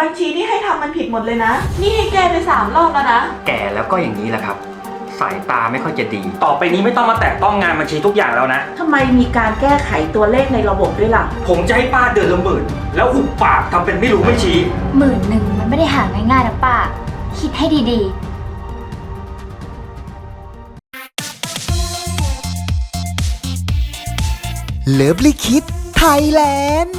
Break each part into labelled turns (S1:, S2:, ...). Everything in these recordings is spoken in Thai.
S1: ญชีที่ให้ทำมันผิดหมดเลยนะนี่ให้แก้ไป3 รอบแล้วนะ
S2: แก่แล้วก็อย่างนี้แหละครับสายตาไม่ค่อยจะดีต่อไปนี้ไม่ต้องมาแตะต้องงานบัญชีทุกอย่างแล้วนะ
S3: ทำไมมีการแก้ไขตัวเลขในระบบด้วยล่ะ
S2: ผมจะให้ป้าเดือนละ10,000แล้วหุบปากทำเป็นไม่รู้ไม่ชี้
S4: 10,000มันไม่ได้หาง่ายๆนะป้าคิดให้ดี
S5: เลิฟลิคิดไทยแลนด์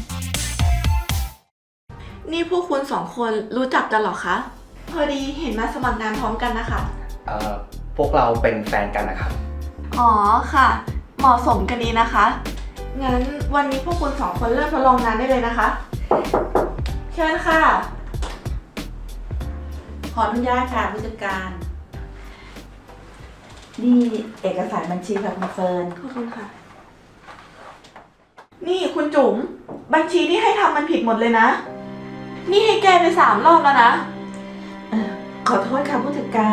S1: นี่พวกคุณ2 คนรู้จักกันเหรอคะพอดีเห็นมาสมัครงานพร้อมกันนะคะ
S2: พวกเราเป็นแฟนกันนะครับ
S1: อ๋อค่ะเหมาะสมกันดีนะคะงั้นวันนี้พวกคุณ2 คนเริ่มทดลองงานได้เลยนะคะเชิญค่ะ
S3: ขออนุญาตค่ะผู้จัดการ นี่เอกสารบัญชีค่ะคุณเฟิร์น
S1: ขอบคุณค่ะนี่คุณจุ๋มบัญชีที่ให้ทำมันผิดหมดเลยนะนี่ให้แก้ไป3 รอบแล้วนะ
S3: ขอโทษค่ะผู้จัดการ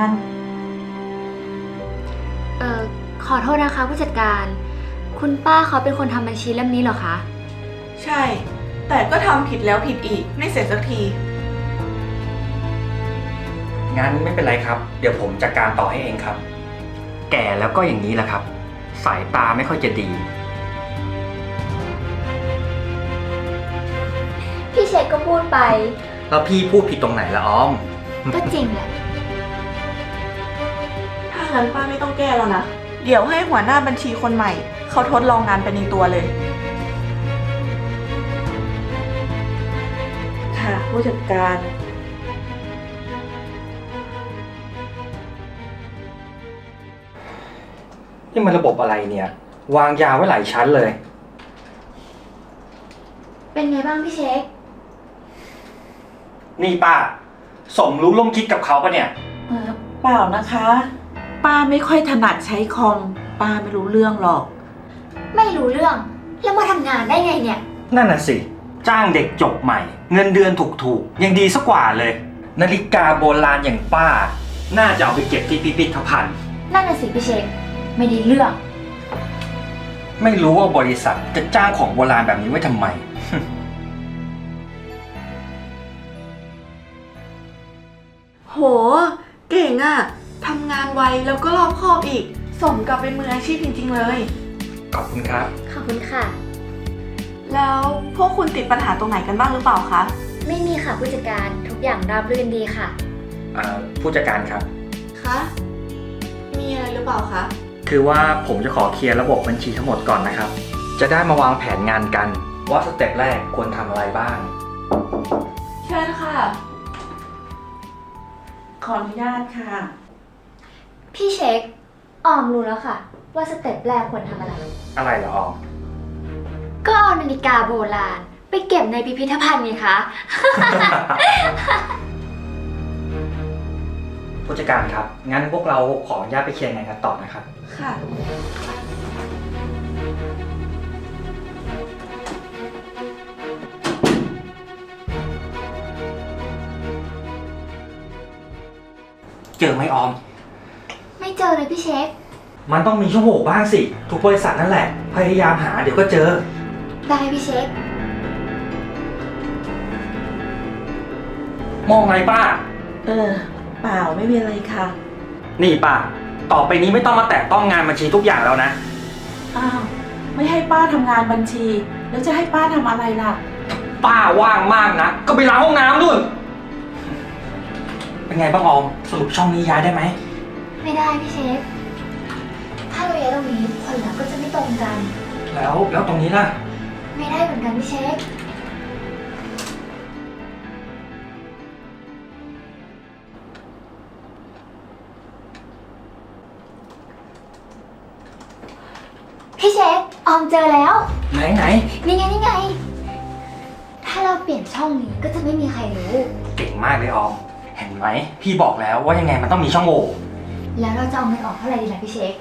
S4: ขอโทษนะคะผู้จัดการคุณป้าเขาเป็นคนทำบัญชีเล่มนี้เหรอคะ
S1: ใช่แต่ก็ทำผิดแล้วผิดอีกไม่เสร็จสักที
S2: งั้นไม่เป็นไรครับเดี๋ยวผมจัดการต่อให้เองครับแก่แล้วก็อย่างนี้แหละครับสายตาไม่ค่อยจะดี
S4: พี่เชคก็พูดไป
S2: แล้วพี่พูดผิดตรงไหนละออม
S4: ก็จริงแหละ
S1: ถ้างั้นป้าไม่ต้องแก้แล้วนะเดี๋ยวให้หัวหน้าบัญชีคนใหม่เขาทดลองงานไปในตัวเลย
S3: ค่ะผู้จัดการ
S2: นี่มันระบบอะไรเนี่ยวางยาไว้หลายชั้นเลย
S4: เป็นไงบ้างพี่เชค
S2: นี่ป้าสมรู้ร่วมคิดกับเขาปะเนี่ย
S3: เปล่านะคะป้าไม่ค่อยถนัดใช้คอมป้าไม่รู้เรื่องหรอก
S4: ไม่รู้เรื่องแล้วมาทำงานได้ไงเนี่ย
S2: นั่นน่ะสิจ้างเด็กจบใหม่เงินเดือนถูกๆยังดีสักกว่าเลยนาฬิกาโบราณอย่างป้าน่าจะเอาไปเก็บที่พิพิธภัณฑ์
S4: นั่นน่ะสิพี่เชคไม่ได้เรื่อง
S2: ไม่รู้ว่าบริษัทจะจ้างของโบราณแบบนี้ไว้ทำไม
S1: โหเก่งอะทำงานไวแล้วก็รอบคอบอีกสมกับเป็นมืออาชีพจริงๆเลย
S2: ขอบคุณครับ
S4: ขอบคุณค่ะ
S1: แล้วพวกคุณติดปัญหาตรงไหนกันบ้างหรือเปล่าคะ
S4: ไม่มีค่ะผู้จัดการทุกอย่างราบรื่นดีค่ะ
S2: ผู้จัดการครับ
S1: คะมีอะไรหรือเปล่าคะ
S2: คือว่าผมจะขอเคลียร์ระบบบัญชีทั้งหมดก่อนนะครับจะได้มาวางแผนงานกันว่าสเต็ปแรกควรทำอะไรบ้าง
S1: เชิญค่ะ
S3: ขออนุญาตค่ะ
S4: พี่เช็คออมรู้แล้วค่ะว่าสเต็ปแรกควรทำอะไร
S2: เหรอออม
S4: ก็เอานาฬิกาโบราณไปเก็บในพิพิธภัณฑ์ไงคะ
S2: ผู้จัดการครับงั้นพวกเราขออนุญาตไปเคลียร์งานกันต่อนะครับ
S1: ค่ะ
S2: เจอไหมออม
S4: ไม่เจอเลยพี่เช็ค
S2: มันต้องมีช่องโหว่บ้างสิทุกบริษัทนั่นแหละพยายามหาเดี๋ยวก็เจอ
S4: ได้พี่เช็ค
S2: มองอะไรป้า
S3: เปล่าไม่มีอะไรค่ะ
S2: นี่ป้าต่อไปนี้ไม่ต้องมาแตะต้องงานบัญชีทุกอย่างแล้วนะ
S3: อ้าวไม่ให้ป้าทำงานบัญชีแล้วจะให้ป้าทำอะไรล่ะ
S2: ป้าว่างมากนะก็ไปล้างห้องน้ำนู่นเป็นไงบ้างออมสรุปช่องนี้ย้ายได้ไหม
S4: ไม่ได้พี่เชฟถ้าเราย้ายตรงนี้ผลลัพธ์ก็จะไม่ตรงกัน
S2: แล้วตรงนี้ล่ะ
S4: ไม่ได้เหมือนกันพี่เชฟพี่เชฟออมเจอแล้ว
S2: ไหน
S4: นี่ไงถ้าเราเปลี่ยนช่องนี้ก็จะไม่มีใครรู้
S2: เก่งมากเลยออมเห็นไหมพี่บอกแล้วว่ายังไงมันต้องมีช่องโหว่
S4: แล้วเราจะเอาเงินออกเท่าไหร่ดีล่ะพี่เชฟ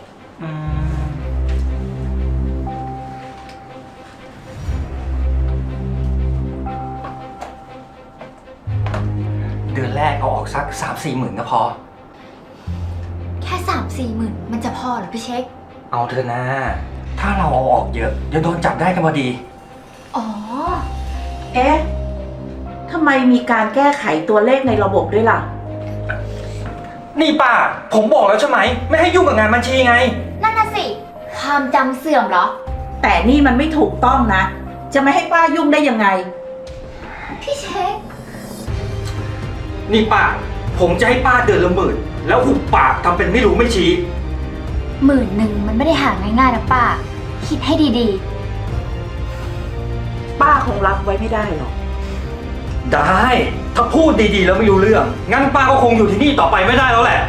S2: เดือนแรกเอาออกสัก 3-4 หมื่นก็พอ
S4: แค่ 3-4 หมื่นมันจะพอเหรอพี่เช็ค
S2: เอาเถอะนะถ้าเราเอาออกเยอะเดี๋ยวโดนจับได้กันพอดี
S3: อ๋อเอ๊ะทำไมมีการแก้ไขตัวเลขในระบบด้วยล่ะ
S2: นี่ป้า ผมบอกแล้วใช่ไหม ไม่ให้ยุ่งกับงานบัญชีไง
S4: นั่นน่ะสิ ความจำเสื่อมเหรอ
S3: แต่นี่มันไม่ถูกต้องนะ จะไม่ให้ป้ายุ่งได้ยังไง
S4: พี่เช็ค
S2: นี่ป้า ผมจะให้ป้าเดือนละ10,000แล้วหุบปากทำเป็นไม่รู้ไม่ชี้
S4: 10,000มันไม่ได้หาง่ายๆนะป้า คิดให้ดี
S3: ป้าคงรับไว้ไม่ได้หรอก
S2: ได้ ถ้าพูดดีๆแล้วไม่รู้เรื่อง งั้นป้าก็คงอยู่ที่นี่ต่อไปไม่ได้แล้วแหละ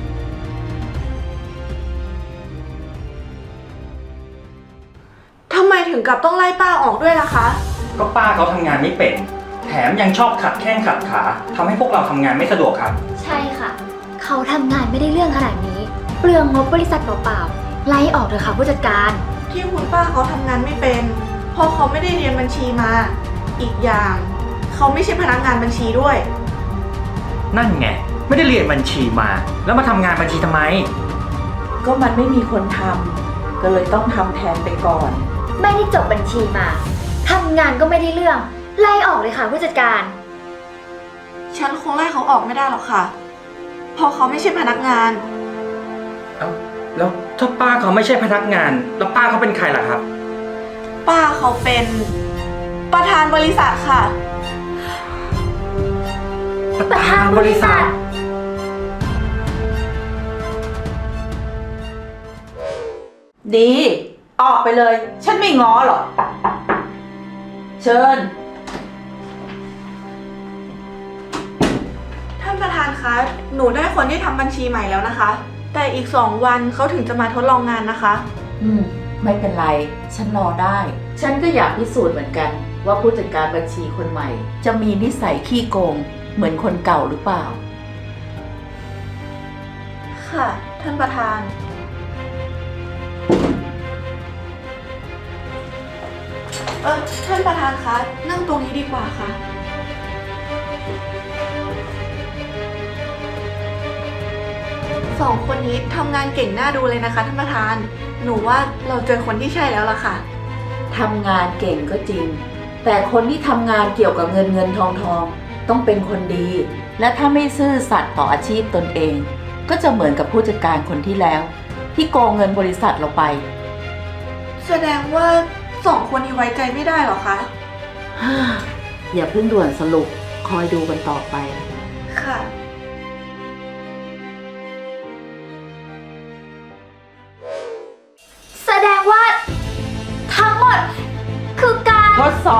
S1: ทำไมถึงกับต้องไล่ป้าออกด้วยล่ะคะ
S2: ก็ป้าเขาทำงานไม่เป็น แถมยังชอบขัดแข้งขัดขาทำให้พวกเราทำงานไม่สะดวกครับ
S4: ๆ ใช่ค่ะ เขาทำงานไม่ได้เรื่องขนาดนี้ เปลืองงบบริษัทเปล่าๆ ไล่ออกเถอะค่ะผู้จัดการ
S1: ที่คุณป้าเขาทำงานไม่เป็น เพราะเขาไม่ได้เรียนบัญชีมา อีกอย่างเขาไม่ใช่พนักงานบัญชีด้วย
S2: นั่นไง ไม่ได้เรียนบัญชีมา แล้วมาทำงานบัญชีทำไม
S3: ก็มันไม่มีคนทำก็เลยต้องทำแทนไปก่อน
S4: ไม่ได้จบบัญชีมา ทำงานก็ไม่ได้เรื่อง ไล่ออกเลยค่ะผู้จัดการ
S1: ฉันคงไล่เขาออกไม่ได้หรอกค่ะ เพราะเขาไม่ใช่พนักงาน
S2: เอ้า แล้วถ้าป้าเขาไม่ใช่พนักงาน แล้วป้าเขาเป็นใครล่ะครับ
S1: ป้าเขาเป็นประธานบริษัทค่ะ
S4: ประธานบริษัท
S3: ดี ออกไปเลย ฉันไม่ง้อหรอก เชิญ
S1: ท่านประธานคะ หนูได้คนที่ทำบัญชีใหม่แล้วนะคะ แต่อีก2 วันเขาถึงจะมาทดลองงานนะคะ
S3: ไม่เป็นไร ฉันรอได้ ฉันก็อยากพิสูจน์เหมือนกัน ว่าผู้จัดการบัญชีคนใหม่ จะมีนิสัยขี้โกง เหมือนคนเก่าหรือเปล่า
S1: ค่ะ ท่านประธาน ท่านประธานคะ นั่งตรงนี้ดีกว่าค่ะ 2 คนนี้ทำงานเก่งน่าดูเลยนะคะท่านประธาน หนูว่าเราเจอคนที่ใช่แล้วล่ะค่ะ
S3: ทำงานเก่งก็จริง แต่คนที่ทำงานเกี่ยวกับเงินทองต้องเป็นคนดี และถ้าไม่ซื่อสัตย์ต่ออาชีพตนเอง ก็จะเหมือนกับผู้จัดการคนที่แล้ว ที่โกงเงินบริษัทเราไป
S1: แสดงว่า 2 คนนี้ไว้ใจไม่ได้หรอคะ
S3: อย่าเพิ่งด่วนสรุป คอยดูกันต่อไป
S1: ค่ะ
S4: แสดงว่า ทั้งหมด คือการ
S3: ทดสอบ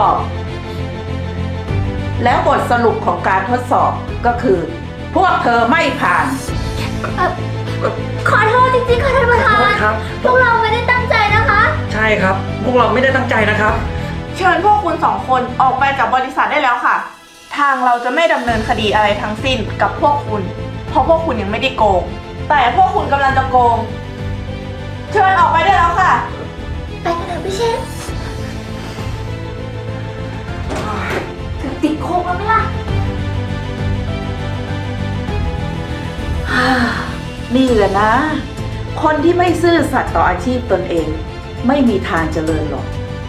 S3: แล้วบทสรุปของการทดสอบก็คือ พวกเธอไม่ผ่าน
S4: ขอโทษจริงๆค่ะท่านประธาน
S2: ครับ
S4: พวกเราไม่ได้ตั้งใจนะคะ
S2: ใช่ครับ พวกเราไม่ได้ตั้งใจนะครับ
S1: เชิญพวกคุณ 2 คนออกไปจากบริษัทได้แล้วค่ะ ทางเราจะไม่ดำเนินคดีอะไรทั้งสิ้นกับพวกคุณ เพราะพวกคุณยังไม่ได้โกง แต่พวกคุณกำลังจะโกง เชิญออกไปได้แล้วค่ะ
S4: ไปกันเถอะพี่เชฟถึงติดโคกแล้วไหมล่ะ
S3: นี่แหละนะ คนที่ไม่ซื่อสัตย์ต่ออาชีพตนเอง ไม่มีทางเจริญหรอก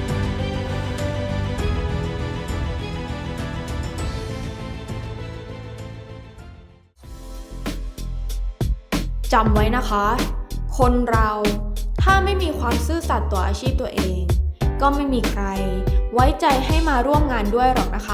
S6: จำไว้นะคะ คนเราถ้าไม่มีความซื่อสัตย์ต่ออาชีพตัวเอง ก็ไม่มีใครไว้ใจให้มาร่วมงานด้วยหรอกนะคะ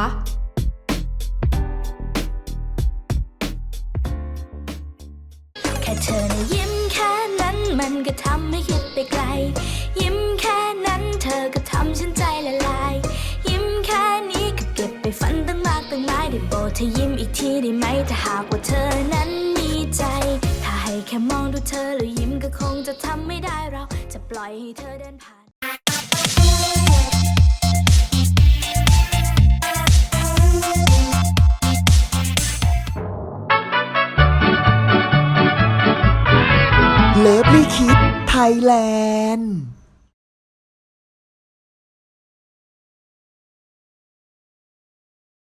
S7: แค่เธอนะยิ้มแค่นั้นมันก็ทำให้คิดไปไกล ยิ้มแค่นั้นเธอก็ทำฉันใจละลาย ยิ้มแค่นี้ก็เก็บไปฝันตั้งมากตั้งหลายได้โปรดเธอยิ้มอีกทีได้ไหมถ้าหากว่าเธอนั้นมีใจ ถ้าให้แค่มองดูเธอแล้วยิ้มก็คงจะทำไม่ได้เราจะปล่อยให้เธอเดินผ่าน
S5: เลิฟลี่คิดไทยแลนด์